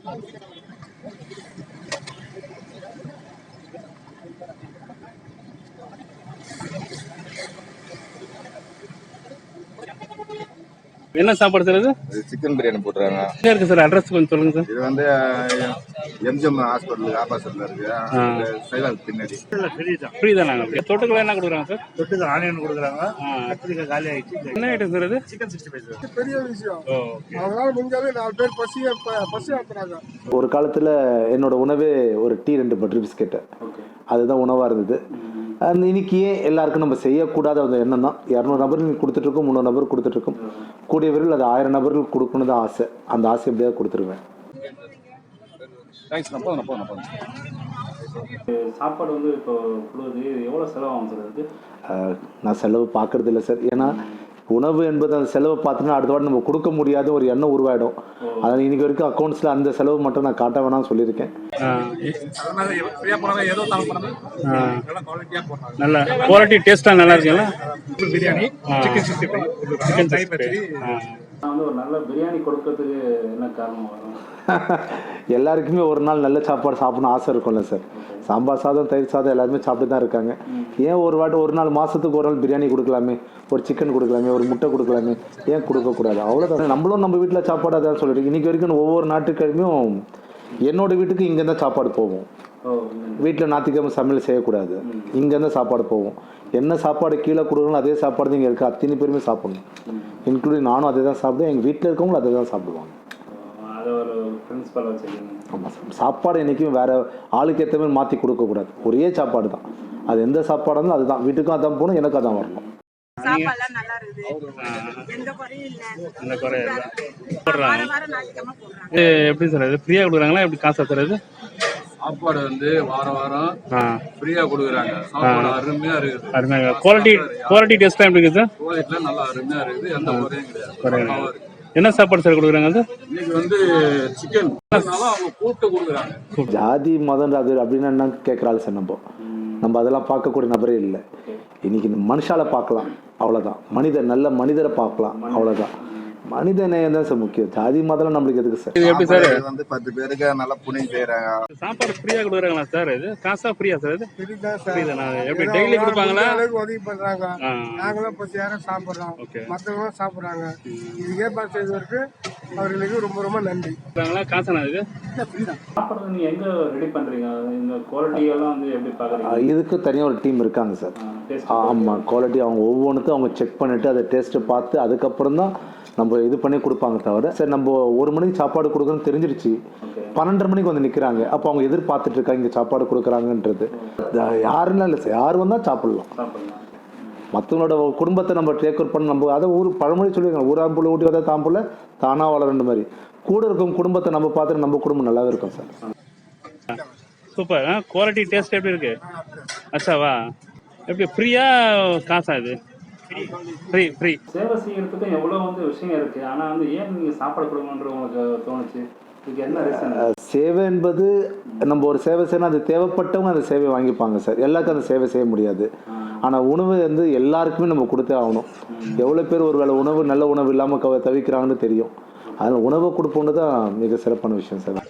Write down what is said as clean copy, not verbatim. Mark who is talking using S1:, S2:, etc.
S1: என்ன சாப்பாடு சார் இது?
S2: சிக்கன் பிரியாணி போட்டுருக்காங்க.
S1: எங்க இருக்கு சார்? அட்ரஸ் கொஞ்சம் சொல்லுங்க சார்.
S2: இது வந்து எம்ஜிஎம் ஹாஸ்பிட்டலுக்கு ஆப்போசிட்ல இருக்கு. சைலாக் பின்னாடி.
S1: ஃப்ரீ தான். தொட்டுக்கெல்லாம் என்ன கொடுக்குறாங்க சார்?
S3: தொட்டுக்கு ஆனியன் கொடுக்குறாங்க. கத்திரிக்காய் காலி ஆயிடுச்சு.
S1: என்ன ஐட்டம் சார் இது?
S3: சிக்கன் 65.
S4: பெரிய விஷயம். அதனால முடிஞ்சாலே 4 பேர் பசி ஆத்துறாங்க.
S5: ஒரு காலத்தில் என்னோட உணவே ஒரு டீ 2 பட்டர் பிஸ்கெட்டு, அதுதான் உணவாக இருந்தது. அந்த இன்னைக்கு ஏன் எல்லாருக்கும் நம்ம செய்யக்கூடாத அந்த எண்ணம் தான். 200 நபர்கள் கொடுத்துட்ருக்கோம், 300 நபர் கொடுத்துட்ருக்கோம். கூடிய விரைவில் அது 1000 நபர்கள் கொடுக்கணும் தான் ஆசை. அந்த ஆசை எப்படியாவது கொடுத்துருவேன்.
S1: சாப்பாடு வந்து இப்போ எவ்வளோ செலவாகும் சார் அதுக்கு?
S5: நான் செலவு பார்க்கறது இல்லை சார். ஏன்னா உணவு என்பது அந்த செலவை பார்த்துன்னா அடுத்த வாட்டி நம்ம கொடுக்க முடியாத ஒரு எண்ணம் உருவாயிடும். அதனால் இன்னைக்கு வரைக்கும் அக்கௌண்ட்ஸில் அந்த செலவு மட்டும் நான் காட்ட வேணாம்னு சொல்லியிருக்கேன்.
S1: நல்ல குவாலிட்டி டேஸ்ட்டாக நல்லா இருக்குல்ல?
S3: பிரியாணி, சிக்கன் 65,
S1: நான் வந்து ஒரு நல்ல பிரியாணி கொடுக்கறதுக்கு என்ன காரணம் வரும்?
S5: எல்லாருக்குமே ஒரு நாள் நல்ல சாப்பாடு சாப்பிடணும் ஆசை இருக்கும்ல சார். சாம்பார் சாதம், தயிர் சாதம் எல்லாருமே சாப்பிட்டு தான் இருக்காங்க. ஏன் ஒரு நாள் மாதத்துக்கு ஒரு நாள் பிரியாணி கொடுக்கலாமே, ஒரு சிக்கன் கொடுக்கலாமே, ஒரு முட்டை கொடுக்கலாமே, ஏன் கொடுக்கக்கூடாது? அவ்வளோதான். நம்மளும் நம்ம வீட்டில் சாப்பாடு அதான் சொல்லிட்டு இன்றைக்கி வரைக்கும் ஒவ்வொரு நாட்டுக்கிழமையும் என்னோட வீட்டுக்கு இங்கேருந்து சாப்பாடு போவோம். வீட்டில் ஞாயிற்றுக்கிழமை சமையல் செய்யக்கூடாது, இங்கேருந்து சாப்பாடு போவோம். என்ன சாப்பாடு கீழே கொடுக்கணும் அதே சாப்பாடு தான் இங்கே இருக்குது. அத்தனை பேருமே சாப்பிடணும், இன்க்ளூடிங் நானும் அதே தான் சாப்பிடுவேன். எங்கள் வீட்டில் இருக்கவங்களும் அதே தான் சாப்பிடுவாங்க. ஆமாம் சார். சாப்பாடு என்றைக்கும் வேறு ஆளுக்கு ஏற்ற மாதிரி மாற்றி கொடுக்கக்கூடாது. ஒரே சாப்பாடு தான். அது எந்த சாப்பாடாக இருந்தாலும் அதுதான். வீட்டுக்கும் அதான் போகணும், எனக்கு அதான் வரணும்.
S1: எப்படி சார் இது ஃப்ரீயாக கொடுக்குறாங்களா? எப்படி காசா சார் இது?
S2: சாப்பாடு வந்து வாரம் ஃப்ரீயா கொடுக்குறாங்க. சாப்பாடு அருமையா இருக்குது.
S1: அருமையா. குவாலிட்டி டேஸ்ட்லாம் எப்படி இருக்குது சார்?
S2: குவாலிட்டிலாம் நல்லா அருமையா இருக்குது. எந்த குறையும் கிடையாது.
S1: என்ன சாப்பாடு சார் கொடுக்குறாங்க? அது
S2: இன்னைக்கு வந்து சிக்கன் அவங்க கூப்பிட்டு கொடுக்குறாங்க.
S5: ஜாதி மதம் அது அப்படின்னு என்ன கேட்குறாள் சார். நம்ம அதெல்லாம் பார்க்கக்கூடிய நபரே இல்லை. இன்னைக்கு மனுஷால பார்க்கலாம், அவ்வளோதான். நல்ல மனிதரை பார்க்கலாம், அவ்வளோதான். மனித நேயம் தான் சார் முக்கியம். ஜாதி மதம் நம்மளுக்கு எதுக்கு சார்?
S2: இது எப்படி சார் வந்து 10 பேருக்கு நல்லா புண்ணியம் செய்யறாங்க.
S1: சாப்பாடு ஃப்ரீயா கொடுக்குறாங்களா சார்? இது காசா ஃப்ரீயா சார்? இது எப்படி டெய்லி கொடுப்பாங்களா?
S4: உதவி பண்றாங்க. நாங்களும் பசியார சாப்பிடுறோம், மற்றவங்களும் சாப்பிடுறாங்க. இது ஏற்பாடு செய்வதற்கு அவர்களுக்கு ரொம்ப ரொம்ப நன்றி.
S1: காசானா இது? சாப்பாடு நீங்க எங்க ரெடி பண்றீங்க? இந்த குவாலிட்டி எல்லாம் வந்து எப்படி பாக்குறீங்க?
S5: இதுக்கு தனியாக ஒரு டீம் இருக்காங்க சார். ஆமாம், குவாலிட்டி அவங்க ஒவ்வொன்றுக்கும் அவங்க செக் பண்ணிட்டு அதை டேஸ்ட்டு பார்த்து அதுக்கப்புறம் தான் நம்ம இது பண்ணி கொடுப்பாங்க. தவிர சரி நம்ம 1 மணிக்கு சாப்பாடு கொடுக்குறோன்னு தெரிஞ்சிருச்சு, 12:30 மணிக்கு வந்து நிற்கிறாங்க. அப்போ அவங்க எதிர்பார்த்துட்டு இருக்காங்க இங்கே சாப்பாடு கொடுக்குறாங்கன்றது. யாருன்னா இல்லை சார், யார் வந்தால் சாப்பிடலாம். மற்றவங்களோட குடும்பத்தை நம்ம டேக் ஓவர் பண்ண நம்ம அதை பழமொழி சொல்லியிருக்காங்க, ஊராம்புள்ள ஊட்டி வந்தால் தாம்புள்ள தானாக வளரன்ற மாதிரி. கூட இருக்கும் குடும்பத்தை நம்ம பார்த்துட்டு நம்ம குடும்பம் நல்லாவே இருக்கும் சார்.
S1: சூப்பர். குவாலிட்டி டேஸ்ட் எப்படி இருக்கு? அச்சாவா? எப்படி ஃப்ரீயா காசா? இது ஃப்ரீ. சேவை செய்யறதுக்கு எவ்வளோ வந்து விஷயம் இருக்கு. ஆனால் வந்து ஏன் நீங்கள் சாப்பாடு கொடுக்கணுன்ற உங்களுக்கு தோணுச்சு? இதுக்கு என்ன ரீசன்?
S5: சேவை என்பது நம்ம ஒரு சேவை செய்யணும், அது தேவைப்பட்டவங்க அந்த சேவையை வாங்கிப்பாங்க சார். எல்லாருக்கும் அந்த சேவை செய்ய முடியாது. ஆனால் உணவு வந்து எல்லாருக்குமே நம்ம கொடுத்தே ஆகணும். எவ்வளோ பேர் ஒரு வேளை நல்ல உணவு இல்லாமல் தவிக்கிறாங்கன்னு தெரியும். அதனால் உணவை கொடுப்போன்னு தான் மிக சிறப்பான விஷயம் சார்.